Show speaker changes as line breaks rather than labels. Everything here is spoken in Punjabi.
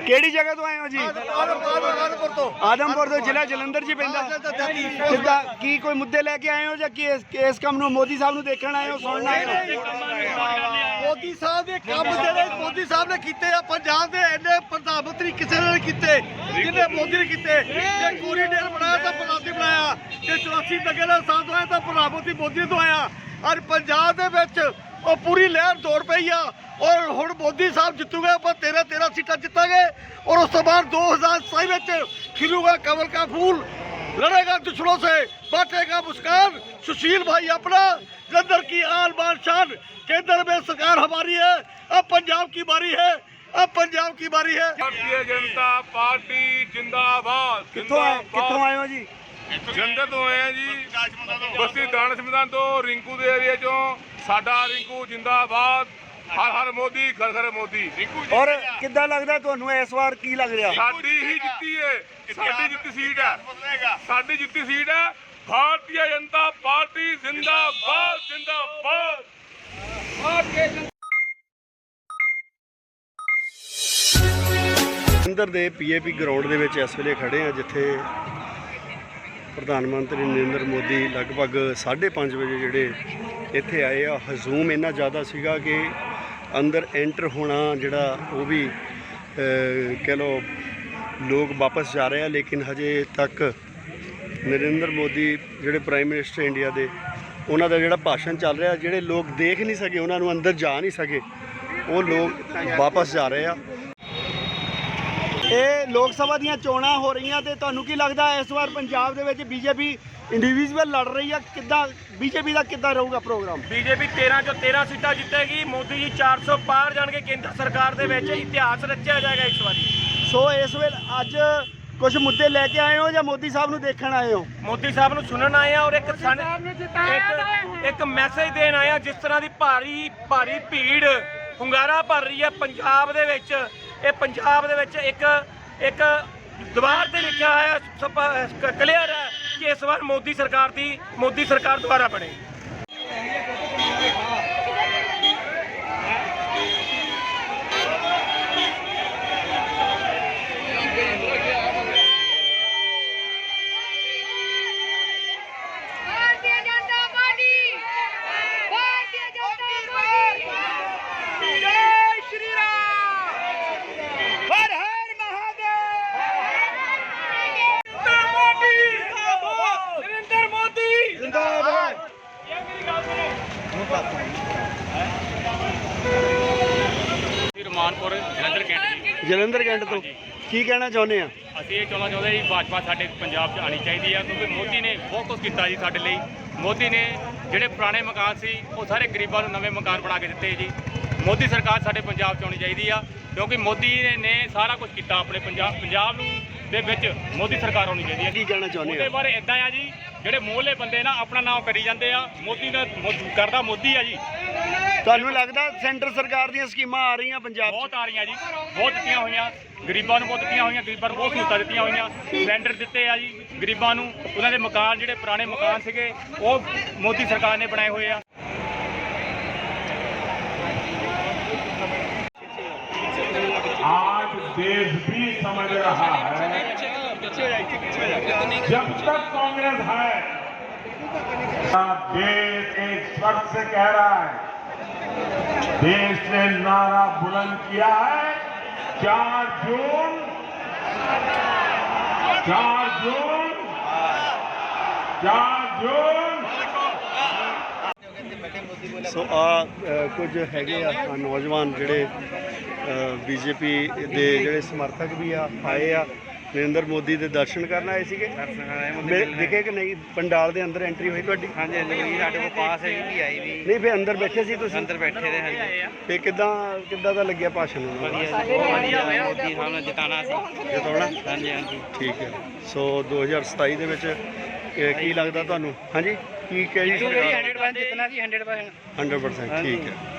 ਕਿਹੜੀ ਜਗ੍ਹਾ ਤੋਂ ਆਏ ਹੋ ਜੀ? ਆਦਮਪੁਰ ਤੋਂ, ਜ਼ਿਲ੍ਹਾ ਜਲੰਧਰ ਜੀ ਪੈਂਦਾ। ਕਿੱਦਾਂ ਕੀ ਕੋਈ ਮੁੱਦੇ ਲੈ ਕੇ ਆਏ ਹੋ ਜਾਂ ਇਸ ਕੰਮ ਨੂੰ ਮੋਦੀ ਸਾਹਿਬ ਨੂੰ ਦੇਖਣ ਆਏ ਹੋ, ਸੁਣਨ ਆਏ ਹੋ?
ਮੋਦੀ ਸਾਹਿਬ ਦੇ ਕੰਮ ਜਿਹੜੇ ਮੋਦੀ ਸਾਹਿਬ ਨੇ ਕੀਤੇ ਆ, ਪੰਜਾਬ ਦੇ ਇੰਨੇ ਪ੍ਰਧਾਨ ਮੰਤਰੀ ਕਿਸੇ ਨੇ ਕੀਤੇ ਜਿਹਨੇ ਮੋਦੀ ਨੇ ਕੀਤੇ। ਜੇ ਕੋਰੀਡੋਰ ਬਣਾਇਆ ਤਾਂ ਪ੍ਰਧਾਨਮੰਤਰੀ ਬਣਾਇਆ, ਜੇ 84 ਦੰਗੇ ਦਾ ਸਾਥ ਹੋਇਆ ਤਾਂ ਪ੍ਰਧਾਨ ਮੰਤਰੀ ਮੋਦੀ ਤੋਂ ਆਇਆ। ਔਰ ਪੰਜਾਬ ਦੇ ਵਿੱਚ ਉਹ ਪੂਰੀ ਲਹਿਰ ਦੌੜ ਪਈ ਆ। ਔਰ ਹੁਣ ਮੋਦੀ ਸਾਹਿਬ ਜਿੱਤੂਗੇ, ਆਪਾਂ 13 ਸੀਟਾਂ ਜਿੱਤਾਂਗੇ। ਔਰ ਉਸ ਤੋਂ ਬਾਅਦ 2027 ਵਿੱਚ खिलूगा कमल का फूल, लड़ेगा दुश्मनों से, बांटेगा मुस्कान। सुशील भाई अपना, जलंधर की आन बान शान, केंद्र में सरकार हमारी है। अब पंजाब की बारी है, अब पंजाब की बारी है।
भारतीय जनता पार्टी जिंदाबाद।
कित्थों आए हो जी?
जलंधर तो आए हैं जी, बस्ती दानिश मैदान तो रिंकू के एरिया चो। साडा रिंकू जिंदाबाद, हर हर मोदी, घर घर मोदी।
और किद्दां लगदा तुहानू इस वार की लग रहा?
साडी ही जित्ती है, साडी जित्ती सीट है, साडी जित्ती सीट है। भारतीय जनता पार्टी जिंदाबाद जिंदाबाद।
ਜਲੰਧਰ ਦੇ ਪੀਏਪੀ ਗਰਾਊਂਡ ਦੇ ਵਿੱਚ ਇਸ ਵੇਲੇ ਖੜੇ ਆ, ਜਿੱਥੇ ਪ੍ਰਧਾਨ ਮੰਤਰੀ ਨਰਿੰਦਰ ਮੋਦੀ ਲਗਭਗ 5:30 ਵਜੇ ਜਿਹੜੇ ਇੱਥੇ ਆਏ ਆ। ਹਜੂਮ ਇੰਨਾ ਜ਼ਿਆਦਾ ਸੀਗਾ ਕਿ ਅੰਦਰ ਐਂਟਰ ਹੋਣਾ ਜਿਹੜਾ ਉਹ ਵੀ ਕਹਿ ਲਓ ਲੋਕ ਵਾਪਸ ਜਾ ਰਹੇ ਆ। ਲੇਕਿਨ ਹਜੇ ਤੱਕ ਨਰਿੰਦਰ ਮੋਦੀ ਜਿਹੜੇ ਪ੍ਰਾਈਮ ਮਿਨਿਸਟਰ ਇੰਡੀਆ ਦੇ, ਉਹਨਾਂ ਦਾ ਜਿਹੜਾ ਭਾਸ਼ਣ ਚੱਲ ਰਿਹਾ, ਜਿਹੜੇ ਲੋਕ ਦੇਖ ਨਹੀਂ ਸਕੇ, ਉਹਨਾਂ ਨੂੰ ਅੰਦਰ ਜਾ ਨਹੀਂ ਸਕੇ, ਉਹ ਲੋਕ ਵਾਪਸ ਜਾ ਰਹੇ ਆ। ਇਹ ਲੋਕ ਸਭਾ ਦੀਆਂ ਚੋਣਾਂ ਹੋ ਰਹੀਆਂ ਤੇ ਤੁਹਾਨੂੰ ਕੀ ਲੱਗਦਾ ਇਸ ਵਾਰ ਪੰਜਾਬ ਦੇ ਵਿੱਚ ਬੀਜੇਪੀ ਇੰਡੀਵਿਜੂਅਲ ਲੜ ਰਹੀ ਆ? ਕਿੱਦਾਂ ਬੀਜੇਪੀ ਦਾ ਕਿੱਦਾਂ ਰਹੂਗਾ ਪ੍ਰੋਗਰਾਮ?
ਬੀਜੇਪੀ 13 ਚੋਂ 13 ਸੀਟਾਂ ਜਿੱਤੇਗੀ। ਮੋਦੀ ਜੀ 400 ਪਾਰ ਜਾਣਗੇ। ਕੇਂਦਰ ਸਰਕਾਰ ਦੇ ਵਿੱਚ ਇਤਿਹਾਸ ਰਚਿਆ ਜਾਏਗਾ ਇਸ ਵਾਰੀ।
ਸੋ ਇਸ ਵੇਲੇ ਅੱਜ ਕੁਝ ਮੁੱਦੇ ਲੈ ਕੇ ਆਏ ਹੋ ਜਾਂ ਮੋਦੀ ਸਾਹਿਬ ਨੂੰ ਦੇਖਣ ਆਏ ਹੋ?
ਮੋਦੀ ਸਾਹਿਬ ਨੂੰ ਸੁਣਨ ਆਏ ਆ ਔਰ ਇੱਕ ਮੈਸੇਜ ਦੇਣ ਆਏ ਆ। ਜਿਸ ਤਰ੍ਹਾਂ ਦੀ ਭਾਰੀ ਭੀੜ ਹੁੰਗਾਰਾ ਭਰ ਰਹੀ ਹੈ ਪੰਜਾਬ ਦੇ ਵਿੱਚ, ਇਹ ਪੰਜਾਬ ਦੇ ਵਿੱਚ ਇੱਕ ਦੀਵਾਰ ਤੇ ਲਿਖਿਆ ਹੋਇਆ ਕਲੀਅਰ ਹੈ ਕਿ ਇਸ ਵਾਰ ਮੋਦੀ ਸਰਕਾਰ ਦੁਆਰਾ ਬਣੇ।
ਰਮਾਨਪੁਰ
ਜਲੰਧਰ ਕੈਂਟ ਤੋਂ ਕੀ ਕਹਿਣਾ ਚਾਹੁੰਦੇ ਆ?
ਅਸੀਂ ਇਹ ਚਾਹੁੰਦੇ ਜੀ ਭਾਜਪਾ ਸਾਡੇ ਪੰਜਾਬ 'ਚ ਆਉਣੀ ਚਾਹੀਦੀ ਆ, ਕਿਉਂਕਿ ਮੋਦੀ ਨੇ ਬਹੁਤ ਕੁਝ ਕੀਤਾ ਜੀ ਸਾਡੇ ਲਈ। ਮੋਦੀ ਨੇ ਜਿਹੜੇ ਪੁਰਾਣੇ ਮਕਾਨ ਸੀ ਉਹ ਸਾਰੇ ਗਰੀਬਾਂ ਨੂੰ ਨਵੇਂ ਮਕਾਨ ਬਣਾ ਕੇ ਦਿੱਤੇ ਜੀ। ਮੋਦੀ ਸਰਕਾਰ ਸਾਡੇ ਪੰਜਾਬ 'ਚ ਆਉਣੀ ਚਾਹੀਦੀ ਆ, ਕਿਉਂਕਿ ਮੋਦੀ ਨੇ ਸਾਰਾ ਕੁਝ ਕੀਤਾ ਆਪਣੇ ਪੰਜਾਬ ਨੂੰ ਦੇ ਵਿੱਚ। ਮੋਦੀ ਸਰਕਾਰ ਆਉਣੀ ਚਾਹੀਦੀ ਆ।
ਕੀ ਕਹਿਣਾ ਚਾਹੁੰਦੇ
ਉਹਦੇ
ਆ?
ਬਾਰੇ ਇੱਦਾਂ ਆ ਜੀ, ਜਿਹੜੇ ਮੋਹਲੇ ਬੰਦੇ ਨਾ ਆਪਣਾ ਨਾਮ ਕਰੀ ਜਾਂਦੇ ਆ, ਮੋਦੀ ਦਾ ਕਰਦਾ ਮੋਦੀ ਆ ਜੀ।
ਤੁਹਾਨੂੰ ਲੱਗਦਾ ਸੈਂਟਰ ਸਰਕਾਰ ਦੀਆਂ ਸਕੀਮਾਂ ਆ ਰਹੀਆਂ ਪੰਜਾਬ 'ਚ?
ਬਹੁਤ ਆ ਰਹੀਆਂ ਜੀ, ਬਹੁਤ ਦਿੱਤੀਆਂ ਹੋਈਆਂ ਗਰੀਬਾਂ ਨੂੰ, ਬਹੁਤ ਦਿੱਤੀਆਂ ਹੋਈਆਂ ਗਰੀਬਾਂ ਨੂੰ, ਬਹੁਤ ਸਹੂਲਤਾਂ ਦਿੱਤੀਆਂ ਹੋਈਆਂ। ਸਿਲੰਡਰ ਦਿੱਤੇ ਆ ਜੀ ਗਰੀਬਾਂ ਨੂੰ। ਉਹਨਾਂ ਦੇ ਮਕਾਨ ਜਿਹੜੇ ਪੁਰਾਣੇ ਮਕਾਨ ਸੀਗੇ ਉਹ ਮੋਦੀ ਸਰਕਾਰ ਨੇ ਬਣਾਏ ਹੋਏ ਆ।
आज देश भी समझ रहा है, जब तक कांग्रेस है देश एक स्वर से कह रहा है। देश ने नारा बुलंद किया है 4 जून।
ਸੋ ਆ ਕੁਝ ਹੈਗੇ ਆ ਨੌਜਵਾਨ ਜਿਹੜੇ ਬੀਜੇਪੀ ਦੇ ਜਿਹੜੇ ਸਮਰਥਕ ਵੀ ਆਏ ਆ, ਨਰਿੰਦਰ ਮੋਦੀ ਦੇ ਦਰਸ਼ਨ ਕਰਨ ਆਏ ਸੀਗੇ। ਦਿਖੇ ਕਿ ਨਹੀਂ ਪੰਡਾਲ ਦੇ ਅੰਦਰ ਐਂਟਰੀ ਹੋਈ ਤੁਹਾਡੀ?
ਹਾਂਜੀ ਸਾਡੇ ਕੋਲ ਪਾਸ ਹੈ ਵੀ ਆਈ ਵੀ
ਨਹੀਂ, ਫਿਰ ਅੰਦਰ ਬੈਠੇ ਸੀ ਤੁਸੀਂ?
ਅੰਦਰ ਬੈਠੇ ਰਹੇ ਹਾਂਜੀ।
ਤੇ ਕਿੱਦਾਂ ਦਾ ਲੱਗਿਆ ਭਾਸ਼ਣ?
ਵਧੀਆ ਹੋਇਆ, ਮੋਦੀ ਸਾਹਿਬ ਨੇ ਜਿਤਾਉਣਾ ਸੀ।
ਜਿਤਾਉਣਾ?
ਹਾਂਜੀ
ਠੀਕ ਹੈ। ਸੋ 2027 ਦੇ ਵਿੱਚ ਕੀ ਲੱਗਦਾ ਤੁਹਾਨੂੰ? ਹਾਂਜੀ ਕੀ ਕਹੀ?
100% ਜਿੱਤਣਾ ਸੀ 100%।
100% ਠੀਕ ਹੈ।